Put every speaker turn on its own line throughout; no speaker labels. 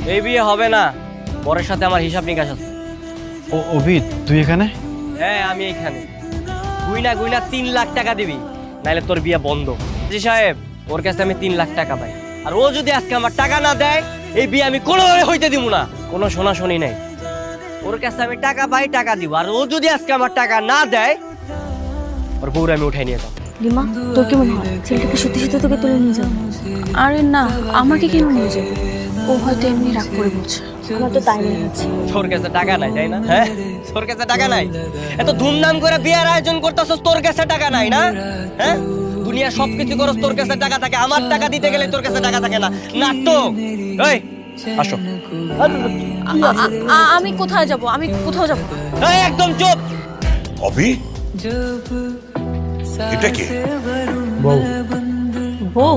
এই বিয়ে হবে না, বরের সাথে আমার হিসাব নিকাশ আছে।
অভিদ তুই এখানে?
হ্যাঁ আমি এইখানে। গুইনা গুইনা 3 লাখ টাকা দিবি, নাইলে তোর বিয়ে বন্ধ। জি সাহেব, ওর কাছে আমি 3 লাখ টাকা পাই, আর ও যদি আজকে আমার টাকা না দেয় এই বিয়ে আমি কোনোভাবে হইতে দিব না। কোনো শোনাশুনি নাই, ওর কাছে আমি টাকা পাই, টাকা দিব। আর ও যদি আজকে আমার টাকা না দেয় ওর বউরে আমি উঠাই নিয়ে যাবো।
লিমা, তোর কি মনে হয় ছেলেটাকে সত্যি সত্যি তোকে তুলে নিয়ে যাবো?
আরে না, আমাকে কেন নিয়ে যাবে? ও হয়তো এমনি রাগ করে বলছে।
আমার তো তাই মনে হচ্ছে।
তোর কাছে টাকা নাই তাই না? হ্যাঁ, তোর কাছে টাকা নাই, এত ধুমধাম করে বিয়ের আয়োজন করতেছস, তোর কাছে টাকা নাই না? হ্যাঁ, দুনিয়া সবকিছু করস, তোর কাছে টাকা থাকে। আমার টাকা দিতে গেলে তোর কাছে টাকা থাকে না। নাটক। এই আসো।
আমি কোথায় যাব? আমি কোথাও যাব না।
এই একদম চুপ।
অভি, এটা কি?
বউ।
বউ?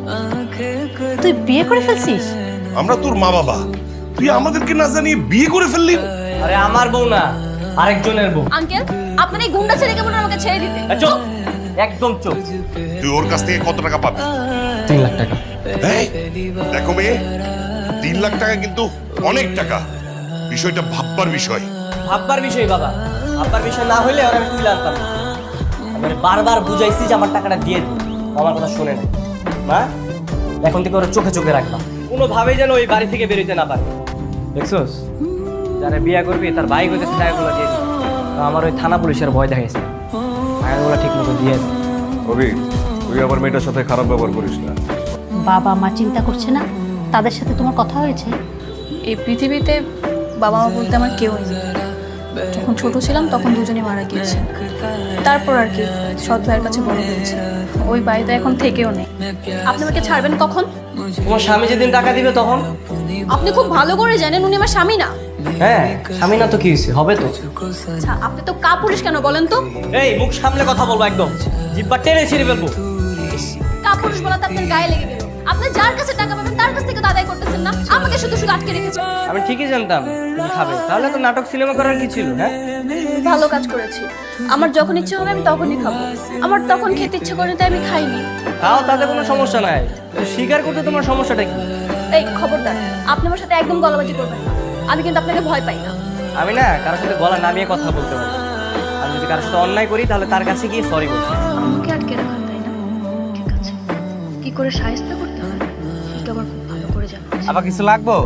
তুই বিয়ে করে ফেলছিস?
আমরা তোর মা বাবা, তুই আমাদেরকে না জানিয়ে বিয়ে করে ফেললি?
আরে আমার বউ না, আরেকজনের বউ।
আঙ্কেল, আপনার এই গুন্ডা ছেলেকে বলুন আমাকে ছেড়ে দিতে।
চুপ, একদম চুপ।
তুই ওর কাছ থেকে কত টাকা পাবি?
3 লাখ টাকা।
এই, দেখো মেয়ে, 3 লাখ টাকা কিন্তু অনেক টাকা। বিষয়টা ভাববার বিষয়।
ভাববার বিষয় বাবা, ভাববার বিষয় না হইলে ওরা আমি তুলে আনতাম না। আমি বারবার বুঝাইছি যে আমার টাকাটা দিয়ে দিই, আমার কথা শুনে নাই। মা, এখন থেকে ওরা চোখে চোখে রাখবা, কোনোভাবেই যেন ওই বাড়ি থেকে বেরোতে না পারে। দেখছোস, যারা বিয়ে করবি তার ভাই হইতেছে টাকাগুলো দিয়ে দিই। আমার ওই থানা পুলিশের ভয় দেখাইছে, টাকাগুলো ঠিক মতো দিয়ে দিই।
অভি, তুই আবার মেয়েটার সাথে খারাপ ব্যবহার করিস না।
বাবা মা চিন্তা করছে না? তাদের সাথে তোমার কথা হয়েছে?
এই পৃথিবীতে বাবা মা বলতে আমার কেউ নেই। যখন ছোট ছিলাম তখন দুজনে মারা গিয়েছে। তারপর আর কি সৎ ভাইয়ের কাছে বড় হয়েছে। ওই বাড়িতে এখন থেকেও নেই। আপনি আমাকে ছাড়বেন কখন?
তোমার স্বামী যেদিন টাকা দিবে তখন।
আপনি খুব ভালো করে জানেন উনি আমার স্বামী না।
হ্যাঁ, স্বামী না তো কি হয়েছে, হবে তো।
আচ্ছা, আপনি তো কাপুরুষ কেন বলেন তো?
এই মুখ সামলে কথা বলবো, একদম জিব্বা টেনে ছিঁড়ে ফেলবো।
কাপুরুষ বলাতে আপনার গায়ে লেগে গেল। আপনি যার কাছে টাকা পাবেন তার কাছ থেকে তো আদায় করতেছেন না, আমাকে শুধু শুধু আটকে রেখেছেন।
আমি ঠিকই জানতাম তুমি খাবে, তাহলে তো নাটক সিনেমা করার কি ছিল? হ্যাঁ,
ভালো কাজ করেছি। আমার যখন ইচ্ছে হবে আমি তখনই খাবো। আমার তখন খেতে ইচ্ছে করে তাই আমি খাইনি।
তাও তাতে কোনো সমস্যা নাই, স্বীকার করতে তোমার সমস্যাটা কি?
এই খবরদার, আপনি আমার সাথে একদম গলাবাজি করবেন না। আমি কিন্তু আপনাকে ভয় পাই না।
আমি না কারোর সাথে গলা নামিয়ে কথা বলতে পারি। আমি যদি কারোর সাথে অন্যায় করি তাহলে তার কাছে গিয়ে সরি বলছি।
আমাকে আটকে রাখা, তাই না? ঠিক আছে, কি করে সাহায্য করতে হয় সেটা আবার খুব ভালো করে জানো।
আবার কিছু লাগবো?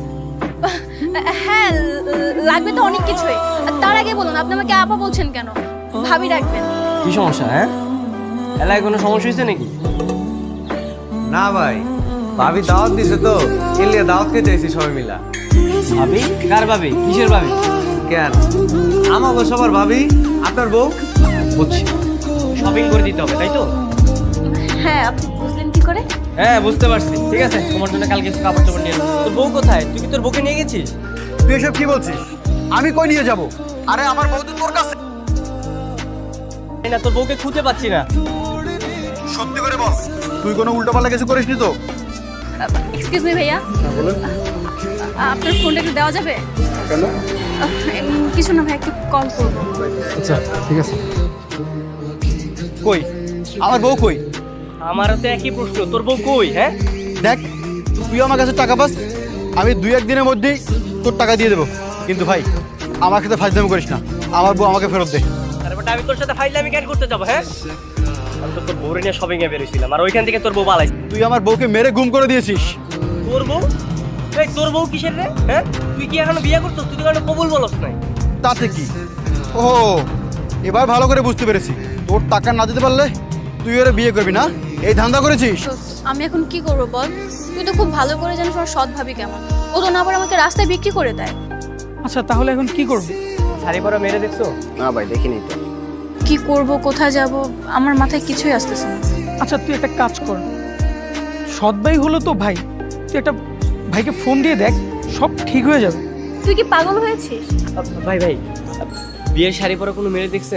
হ্যাঁ, লাগবে তো অনেক কিছুই। তার আগে বলুন, আপনি আমাকে আপা বলছেন কেন? ভাবি রাখবেন।
কি সমস্যা? হ্যাঁ, এলাকায় কোনো সমস্যা হয়েছে নাকি?
না ভাই, ভাবি দাওয়াত দিছে তো, এলিয়া দাওয়াত খেতে চাইছি সবাই মিলা।
ভাবি? কার ভাবি? কিসের ভাবি?
কেন? আমাগো সবার ভাবি, আপনার বউ।
বুঝছি, শপিং করে দিতে হবে তাই তো?
হ্যাঁ, আপনি বুঝলেন কি করে?
হ্যাঁ বুঝতে পারছি। ঠিক আছে, তোমার জন্য কালকে কিছু কাপড় চোপড় নিয়ে আসবো। তোর বউ কোথায়? তুই কি তোর বউকে নিয়ে গেছিস?
তুই এসব কি বলছিস? আমি কই নিয়ে যাব? আরে আমার বউ তো তোর কাছে।
এই না, তোর বউকে খুঁজে পাচ্ছি না।
সত্যি করে বল, তুই কোনো উল্টোপাল্টা কিছু করিসনি তো?
এক্সকিউজ মি ভাইয়া, আপনার ফোনটা একটু দেওয়া যাবে?
কেন?
কিছু না ভাই, একটু কল করবো।
আচ্ছা ঠিক আছে।
কই
আমার বউ কই?
আমারও তো একই প্রশ্ন, তোর বউ কই? হ্যাঁ,
দেখ, তুই আমার কাছে টাকা পাস, আমি 2-1 দিনের মধ্যেই তোর টাকা দিয়ে দেবো। কিন্তু ভাই, আমার সাথে ফাজলামি করিস না। আমার বউ আমাকে ফেরত দে।
তারপর আমি তোর সাথে ফাইলে আমি কেন করতে যাবো? হ্যাঁ, আমি তো তোর বউরে নিয়ে শপিং এ বেরিয়েছিলাম, আর ওইখান থেকে তোর বউ পালাইছে।
তুই আমার বউকে মেরে গুম করে দিয়েছিস।
তোর বউ? এই তোর বউ কিসের রে? হ্যাঁ, তুই কি এখনো বিয়ে করছিস? তুই তো এখনো কবুল বলস নাই।
তাতে কি? ও, এবার ভালো করে বুঝতে পেরেছি। তোর টাকা না দিতে পারলে তুই ওরা বিয়ে করবি না, এই ধান্দা করেছিস।
তো আমি এখন কি করবো বল? তুই তো খুব ভালো করে জানিস আমার সৎ ভাবি কেমন। ও তো না আবার আমাকে রাস্তায় বিক্রি করে দেয়।
আচ্ছা তাহলে এখন কি করবি?
শাড়ি পরা মেরে দেখছো?
না ভাই, দেখিনি তো।
কি করব, কোথায় যাব, আমার মাথায় কিছুই আসতেছে না।
আচ্ছা তুই একটা কাজ কর, সৎ ভাই হলো তো ভাই, তুই একটা ভাইকে ফোন দিয়ে দেখ, সব ঠিক হয়ে যাবে।
তুই কি পাগল হয়েছিস?
ভাই ভাই, বিয়ের শাড়ি পরা কোনো মেরে দেখছেন?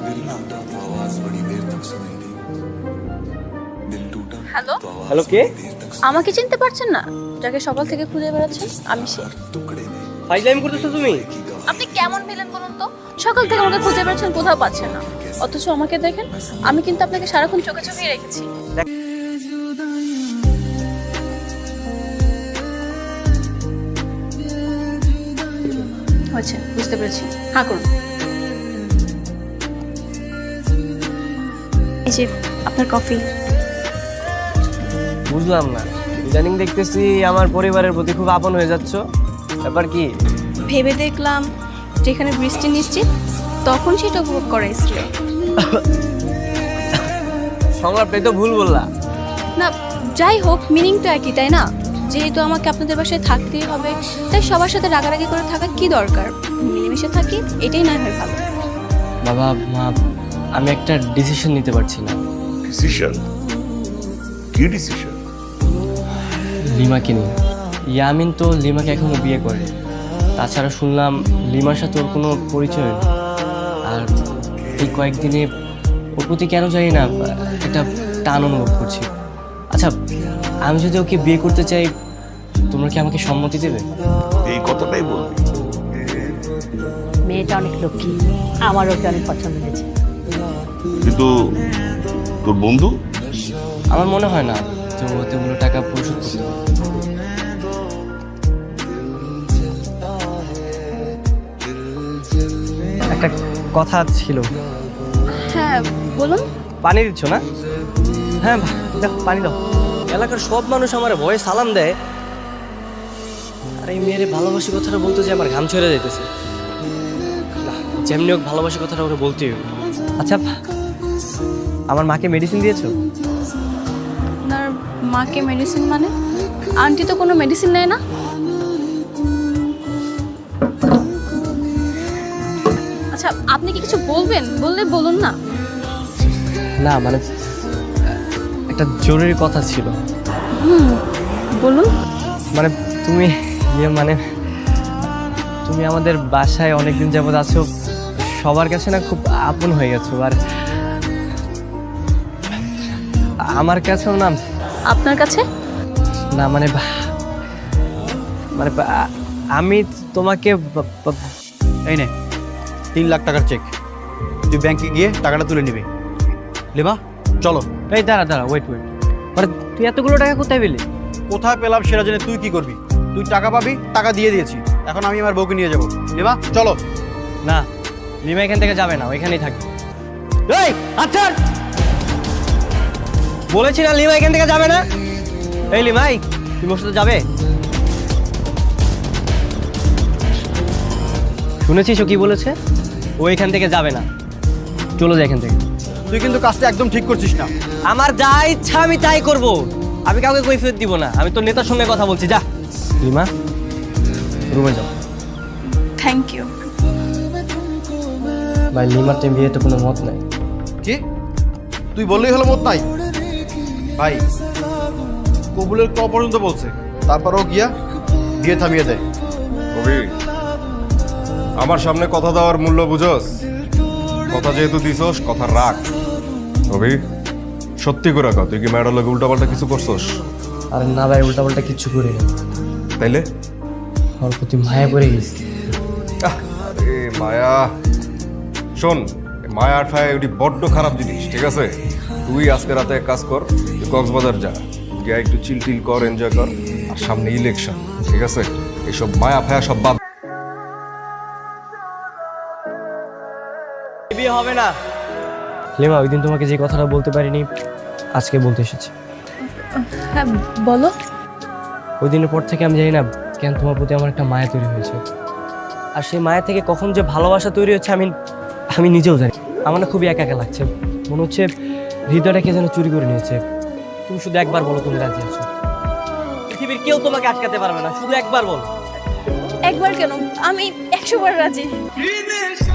হ্যালো,
হ্যালো, কে?
আমাকে চিনতে পারছেন না? যাকে সকাল থেকে খুঁজে বেড়াচ্ছেন আমি সে।
ফাইজলামি করতেছো তুমি?
আপনি কেমন ভিলেন বলুন তো? সকাল থেকে আমাকে খুঁজে বেড়াচ্ছেন, কোথাও পাচ্ছেন না, অথচ আমাকে দেখেন, আমি কিন্তু আপনাকে সারাক্ষণ চোখে চোখেই রেখেছি। হয়েছে, বুঝতে পেরেছি। হ্যাঁ করুন। এই যে আপনার কফি।
বুঝলাম না, ইদানিং দেখতেছি আমার পরিবারের প্রতি খুব আপন হয়ে যাচ্ছ, ব্যাপার কি?
ভেবে দেখলাম যেখানে বৃষ্টি নিশ্চিত, তখন সেটা উপভোগ করা শ্রেয়।
সংলাপটাই তো ভুল বললা।
না, যাই হোক, মিনিং তো একই, তাই না? যেহেতু আমাকে আপনাদের বাসায় থাকতেই হবে, তাই সবার সাথে রাগারাগি করে থাকা কি দরকার? মিলেমিশে থাকি, এটাই না হয় ভালো।
বাবা মা, আমি একটা ডিসিশন নিতে পারছি না।
ডিসিশন? কি ডিসিশন?
লিমাকে নিয়ে। ইয়ামিন তো লিমাকে এখনো বিয়ে করে, তাছাড়া শুনলাম লিমার সাথে ওর কোনো পরিচয় নেই। আর এই কয়েকদিনে ওর প্রতি কেন জানি না একটা টান অনুভব করছি। আচ্ছা, আমি যদি ওকে বিয়ে করতে চাই, তোমরা কি আমাকে সম্মতি দেবে?
এই কথাটাই বলবি?
মেয়েটা অনেক লক্ষ্মী, আমার ওকে অনেক পছন্দ হয়েছে।
কিন্তু তোর বন্ধু?
আমার মনে হয় না যে ও এতগুলো টাকা পরিশোধ করতে পারবে। একটা কথা ছিল।
হ্যাঁ বলুন।
পানি দিচ্ছ না? হ্যাঁ দাও, পানি দাও। এলাকার সব মানুষ আমার ভয়ে সালাম দেয়, আর এই মেয়ের ভালোবাসি কথাটা বলতে যে আমার ঘাম ছেড়ে যাইতেছে। না, যেমনি হোক ভালোবাসি কথাটা ওরা বলতেই হবে। আচ্ছা, আমার মাকে মেডিসিন দিয়েছো?
আপনার মাকে মেডিসিন মানে? আন্টি তো কোনো মেডিসিন নেয় না। আচ্ছা, আপনি কি কিছু বলবেন? বললে বলুন না।
না মানে একটা জরুরি কথা ছিল।
বলুন।
মানে তুমি মানে তুমি আমাদের বাসায় অনেকদিন যাবত আছো, সবার কাছে না খুব আপন হয়ে গেছো। আর আমার কাছেও না।
আপনার কাছে?
না মানে মানে আমি তোমাকে
এই নে 3 লাখ টাকার চেক, তুই ব্যাংকে গিয়ে টাকাটা তুলে নিবি। লিমা চলো।
এই দাঁড়া ওয়েট মানে তুই এতগুলো টাকা কোথায় পেলি?
কোথায় পেলাম সেটা জেনে তুই কি করবি? তুই টাকা পাবি, টাকা দিয়ে দিয়েছি, এখন আমি আমার বউকে নিয়ে যাবো। লিমা চলো।
না, লিমা এখান থেকে যাবে না, ওইখানেই থাকবে। এই আচ্ছা, বলেছি না লিমা এখান থেকে যাবে না। এই লিমাই, তুমি ওর সাথে যাবে? শুনেছিস ও কি বলেছে? ও এখান থেকে যাবে না, চলে যায় এখান থেকে।
তুই কিন্তু কাজটা একদম ঠিক করছিস না।
আমার যা ইচ্ছা আমি তাই করব, আমি কাউকে কৈফিয়ত দিব না। আমি তোর নেতার সঙ্গে কথা বলছি, যা। লিমা রুমে যাও।
Thank you.
ভাই লিমার টাইম বিয়ে তো কোনো মত নাই।
কি তুই বললেই হলো মত নাই? ভাই কবুলের ক পর্যন্ত বলছে, তারপরও গিয়া বিয়ে থামিয়ে দেয়।
কবি, আমার সামনে কথা দেওয়ার মূল্য বুঝোস? কথা যেহেতু দিছস, কথা রাখ। কবি সত্যি করে কর, তুই কি ম্যাডার লোক উল্টাপাল্টা কিছু করছস?
আর না ভাই, উল্টাপাল্টা কিচ্ছু করি না।
তাইলে
ওর প্রতি মায়া পড়ে গেছি।
আরে মায়া, শোন, মায়া আর ফায়া ওটি বড্ড খারাপ জিনিস, ঠিক আছে? তুই আজকে রাতে এক কাজ কর, তুই কক্সবাজার যা, গিয়ে একটু চিল টিল কর, এনজয় কর। আর সামনে ইলেকশন, ঠিক আছে? এসব মায়া ফায়া সব বাদ।
বিয়ে হবে না। লিমা, ওই দিন তোমাকে যে কথাটা বলতে পারিনি, আজকে বলতে এসেছি।
হ্যাঁ বলো।
ওই দিনের পর থেকে আমি জানি না কেন তোমার প্রতি আমার একটা মায়া তৈরি হয়েছে, আর সেই মায়া থেকে কখন যে ভালোবাসা তৈরি হচ্ছে আমি নিজেও জানি। আমার না খুবই একা একা লাগছে, মনে হচ্ছে হৃদয়টাকে যেন চুরি করে নিয়েছে। তুমি শুধু একবার বলো তুমি রাজি আছো। পৃথিবীর কেউ তোমাকে আটকাতে পারবে না, শুধু একবার বলো।
একবার কেন, আমি 100 বার রাজি।